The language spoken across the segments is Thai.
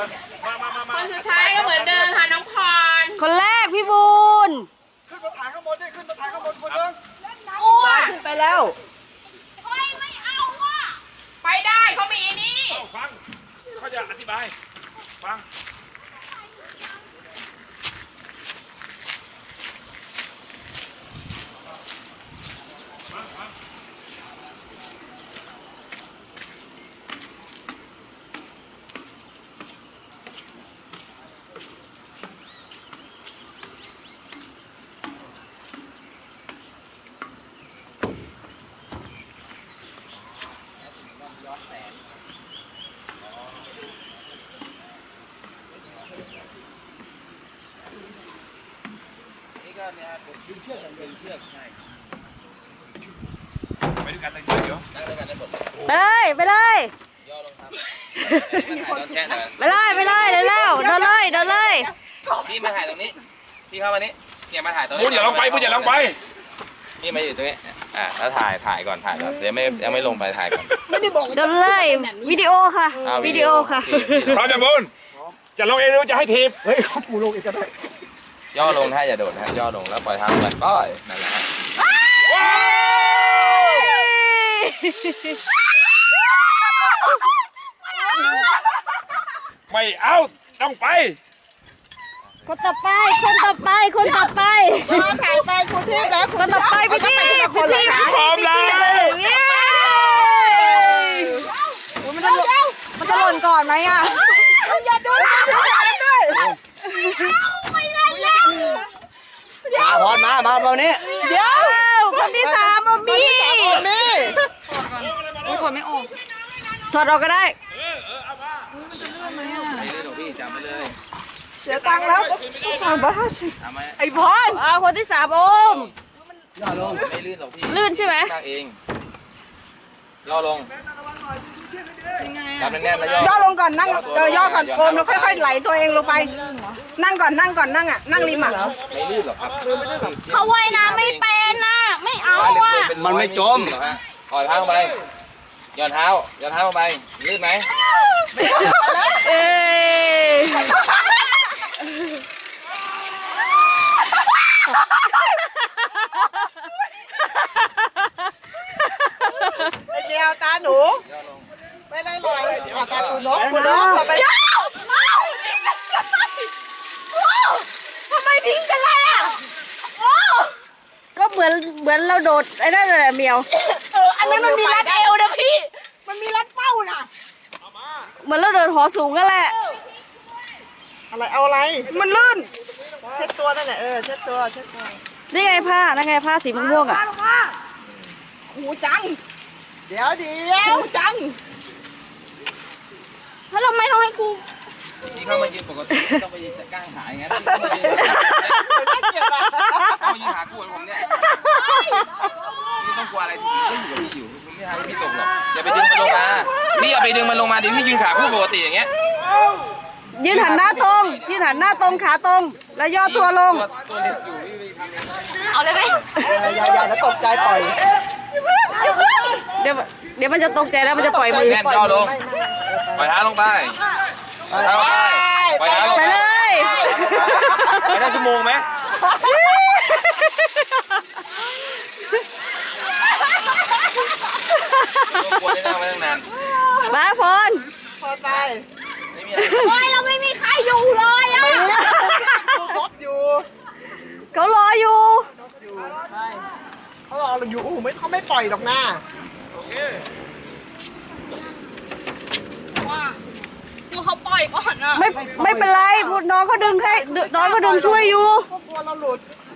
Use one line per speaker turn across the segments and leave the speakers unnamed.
ก่อนมา
คนสุดท้ายก็เหมือนเดิมค่ะน้องพร
คนแรกพี่บูน
ขึ้นมาถ่ายข้างบนดิขึ้นมาถ่ายข้างบนคนนึง
อ้ว
ขึ้นไปแล้ว
เฮ้ยไม่เอาว่ะไปได้เขามีนี่
ฟังเขาจะอธิบายฟังดึงเชือกใช่ไปด้วยกันเลยเดี๋ยวนั่งด้วยกันได้หมด
ไปเลย
ย่อลงครับถ่ายตอนแช่หน่อย
ไปเลยเร็วเดินเลย
พี่มาถ่ายตรงนี้พี่เข้ามานี้เนี่ยมาถ่ายตรงนี้พูดอย่าลงไปพูดอย่าลงไปนี่มาอยู่ตรงนี้แล้วถ่ายก่อนเดี๋ยวยังไม่ลงไปถ่ายก่อน
เดินเลยวิดีโอค่ะวิดีโอค่ะ
พร้อมจะบุญจะลงเองหรือจะให้ทีบ
เฮ้ยเขาปูลงอีกก็ได้
ย่อลงนะอย่าโดดนะย่อลงแล้วปล่อยเท้าลงไปป้อยนั่นแหละไม่เอาต้องไป
คนต่อไป
ถ่ายไปครูทิพย์แล้ว
คนต่อไปพี่ที
พร้อมแล้ว
มันจะหล่นก่อนไหมอ่ะ
อย่าดูนะไม่ได้แล้ว
มาพรมาเบานี้
เดี๋ยวคนที่สามเอามีถอดออกก็ได้
ไม่ลื่นหรอกพี่จำไปเลย
เสียตังค์แล้ว
ทำไหม
ไอ้พรเอาคนที่สามโอม
ย่อลงไม่ลื่นหรอกพี่
ลื่นใช่ไหม
นั่งเองย่อลงจับแน่นๆแล้วย่
ย่อลงก่อนนั่งย่อก่อนโอมแล้วค่อยๆไหลตัวเองลงไป นั่งก่อนนั่งอ่ะนั่งริมอ่ะ
ไม่ลื่นหรอกครับ
เขาว่ายน้ำไม่เป็นนะไม่เอาอ่ะ
มันไม่จมปล่อยเท้าลงไปย่อนเท้าลงไปลื่นไหม
เอ้
ไอเจียวตาหนู
ย่อลง
ไปเลยลอยตาปูนกต่อไปทำไมทิ้งกันล่ะ
ก็เหมือนเราโดดไอ้นั่นแหละเมียว
อันนั้นมันมีรัดเอวนะพี่มันมีรัดเป้าน่ะ
เหมือนเราโดดหอสูงกันแหละ
อะไรเอาอะไรมันลื่นเช็ดตัวนั่นแหละเช็ดตัว
นี่ไงผ้านั่นไงผ้าสีม่วงๆอ่ะ
หูจังเดี๋ยวหูจังแล้วทำไมต้องให้กู
นี่เข้ามายืนปกติไม่ต้องไปจัดก้างหาอย่างนั้นเข้ามายืนหาคู่ผมเนี่ยไม่ต้องกลัวอะไรพี่อยู่กับพี่อยู่ไม่ให้พี่ตกหรอกอย่าไปดึงมันลงมาพี่อย่าไปดึงมันลงมาเดี๋ยวพี่ยืนขาคู่ปกติอย่างเงี้ย
ยืนหันหน้าตรงขาตรง แล้วย่อตัวลง
ตัวเล็กอยู่พี่ไปทำอย่างนั้น
เอาเลยไหม
อย่าแล้วตกใจปล่อย
เดี๋ยวมันจะตกใจแล้วมันจะปล่อยมือ
แน่นย่อลงปล่อยเท้าลงไปเท้าลงไปปล่อยเท้าลง
ไป
ไป
เลย
ไปได้ชั่วโมงไหมกลัวได้นั่งไว้ตั้งนาน
มาพร
พอไป
ไม่มีอะไร
โอ้ยเราไม่มีใครอยู่เลยอ่ะนกอยู่
เขารออยู่
ใช่เขารอเราอยู่เขาไม่ปล่อยหรอกนะ
เขาปล่อยก่อนอ่ะ
ไม่เป็นไรพูดน้องเขาดึงให้น้องเขาดึงช่วยอยู่
เขากลัวเราหลุด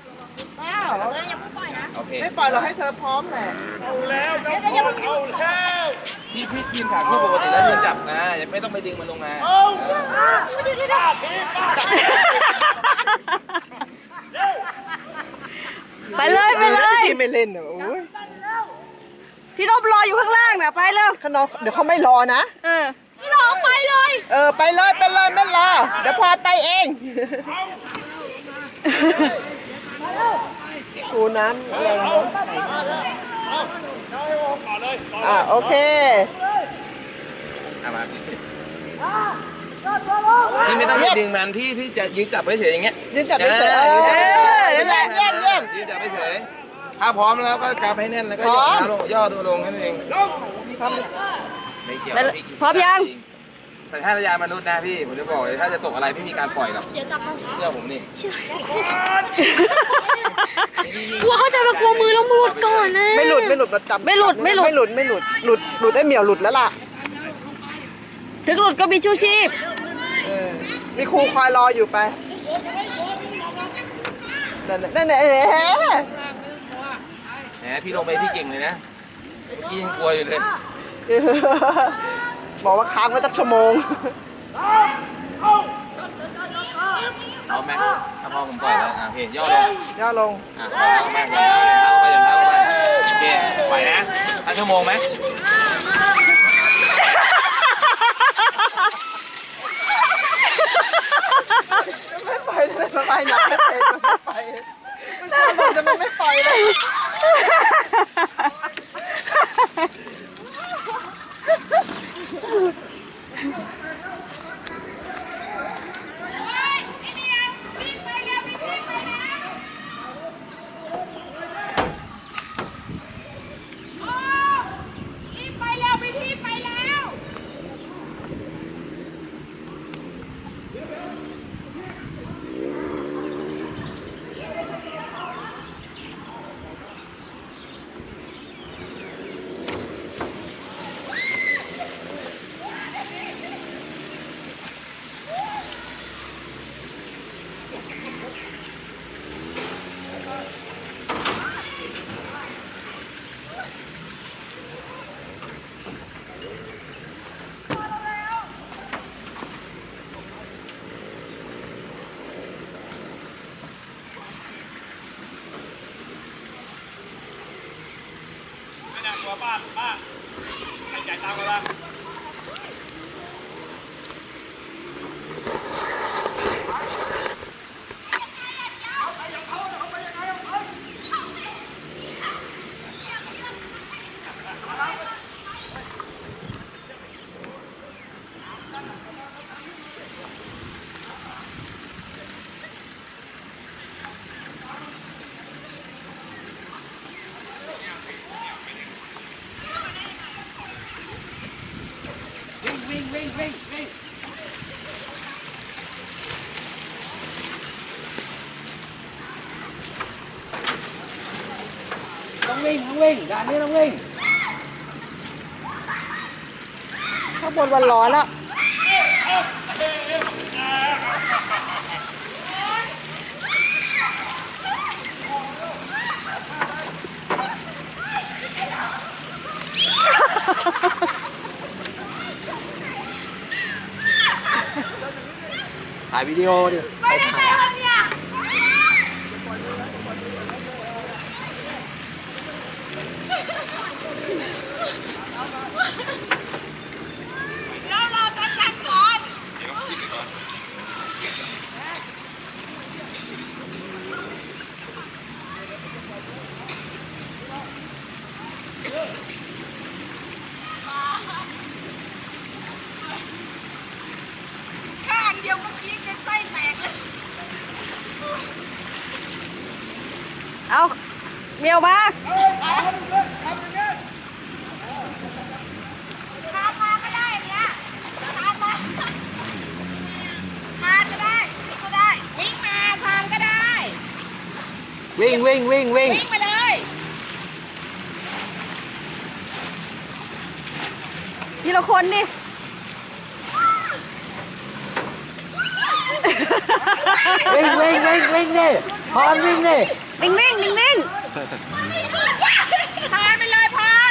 โอเค
ไม่ปล่อยเราให้เธอพร้อมแหละ
พี่ยืนขาคู่ปกติแล้วยืนจับนะไม่ต้องไปดึงมันลงมา
ไปเลย
พี่ไม่เล่นโอ้ย
พี่นพรออยู่ข้างล่างน่ะไปเร็ว
เขาน้องเดี๋ยวเขาไม่รอนะ
พี่น้องไปเลย
ไปเลยไม่รอเดี๋ยวพอไปเองคูน้ำอะไรเนาะโอเค
มาพี่ไม่ต้องไปดึงมันพี่จะยืนจับไว้เฉยอย่างเงี้ย
ยืนจับเฉยๆ
นั่นแหละเยี่ยมเยี่ยม
ยืนจับไว้เฉยถ้าพร้อมแล้วก็กำให้แน่นแล้วก็ย่อตัวลงนั่นเองไม่เกี่ยว
พร้อมยัง
สัญชาตญาณมนุษย์นะพี่ผมจะบอกเลยถ้าจะตกอะไรไม่มีการปล่อยหรอกเชื่อผมนี่
กลัวเข้าใจว่ากลัวมือแล้วมือหลุดก่อนนะ
ไม่หลุดประจำ
ไม่หลุด
หลุดได้เหมียวหลุดแล้วล่ะ
ถึงหลุดก็มีชูชีพ
มีครูคอยรออยู่ไปนั่น
แหมพี่ลงไปพี่เก่งเลยนะพี่ยังกลัวอยู่เลย
บอกว่าค้างไว้สักชั่วโมง
เอาไหมถ้าพอผมปล่อยแล้วโอเคย่อลง
ย่อลง
ปล่อยแล้วมากเลยย่อเท้าไปโอเคปล่อยนะถ้าชั่วโมงไหม
ไม่ไปเลยไม่ไปหนักไม่เป็นไม่ไปไม่จะไม่ไปเลย
ต้องวิ่งด่านนี้ต้องวิ่ง
ข้างบนวันร้อนแล้ว
ถ่ายวิดีโอดิ
เอาเมียวมา
วิ่ง
ทีละคนดิ
วิ่งดิพรวิ่งดิ
นิ่งนิ่ง
พานไปเลยพาน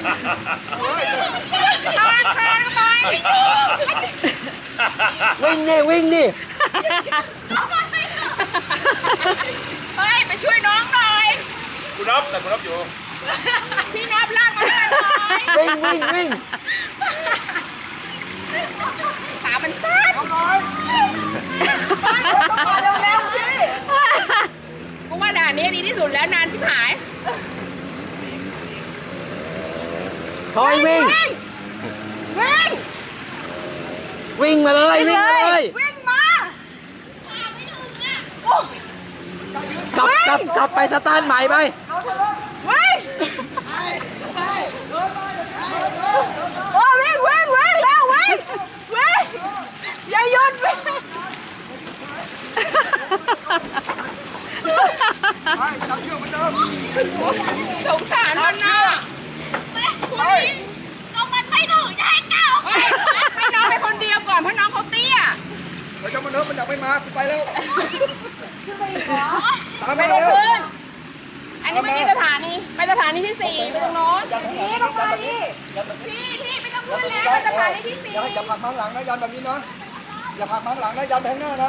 พานเข้าไป
วิ่งดิ
เฮ้ยไปช่วยน้องหน่อย
คุณน็อปอยู่
พี่น็อปลากมาให้หน่อย
วิ่ง
ขามันสั้นเร็วๆสิเพราะว่าด่านนี้ดีที่สุดแล้วนานที่หาย
ทอยวิ่ง
วิ่ง
วิ่งมาเลย
วิ่งเลย
วิ่งมา
บไปสตาร์ทใหม่ไป
โอ้วิ่งวิ่งวิ่งแล้ววิ่งวิ่งอย่าหยุดวิ่ง
ไปจับเชือกเหมือนเดิม
สงสารมันนะก็มันไม่ถึงจะให้ก้าวให้น้องไปคนเดียวก่อนเพราะน้องเขาเตี้ย
เดี๋ยวจะมาเนิร์ฟมันอยากไม่มากูไปแล้วตาม
ไม่
มา
ได้
แล้ว
ขึ้น อันนี้ไม่ใช่สถานีไปสถานีที่4ไปตรงโน้น
ยันแบบนี้ยันแบบนี้ยันแบบนี้
พี่ไม่ต้องขึ้นแล้วไปสถานีที่4
อย่าผลักมาข้างหลังนะยันแบบนี้นะอย่าผลักมาข้างหลังนะยันไปข้างหน้านะ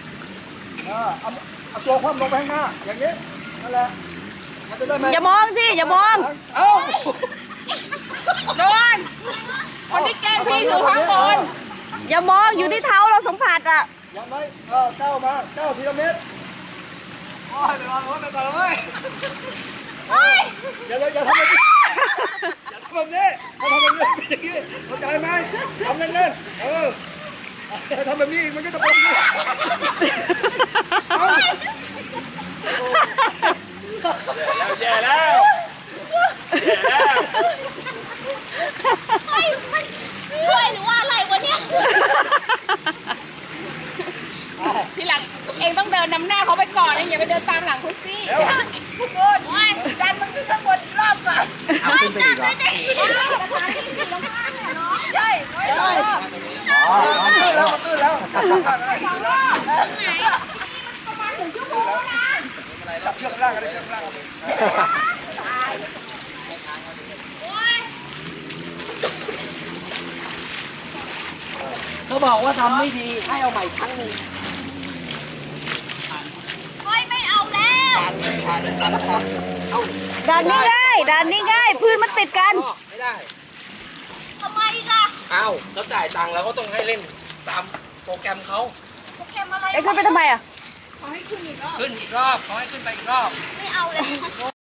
เอาตัวคว่ำลงไปข้างหน้าอย่างนี้นั่นแหละมันจะได้ไหม
อย่ามองสิอย่ามอง
เอ้า
โดนคนที่แกล้งพี่อยู่ข้างบน
อย่ามองอยู่ที่เท้าเราสัมผัสอ่ะ
ยันไว้ก้าวมา9 ทีละเมตรโอ้ยไปก่อนไปก่อนเลยอย่าทำแบบนี้อย่าทำแบบนี้ถ้าทำแบบนี้เป็นอย่างนี้เข้าใจไหมทำเล่นๆถ้าทำแบบนี้อีกมันก็จะเป็นอย่างนี้เอา
แย่แล้วแย่แล้ว
ช่วยหรือว่าอะไรวะเนี่ยทีหลังเองต้องเดินนำหน้าเขาไปก่อนเองอย่าไปเดินตามหลังคุณสิโอ้ยดันมันขึ้นข้างบนรอบก่อนขึ้นไปอีกเหรอใช่
มันตื้นแล้วจับเชือกล่างกันเลยเชือกล่าง
เขาบอกว่าทำไม่ดีให้เอาใหม่ครั้งหนึ่ง
ไม่เอาแล้ว
ด่านนี้ง่ายด่านนี้ง่ายพื้นมันติดกัน
ไม่ได้
ทำไมล่ะ
เอ้าแล้วจ่ายตังค์แล้วก็ต้องให้เล่นตามโปรแกรมเขา
โปรแกรมอะไร
ไอ้ขึ้นไปทำไมอ่ะ
ขึ้นอีกรอบขอให้ขึ้นไปอีกรอบ
ไม่เอาเลย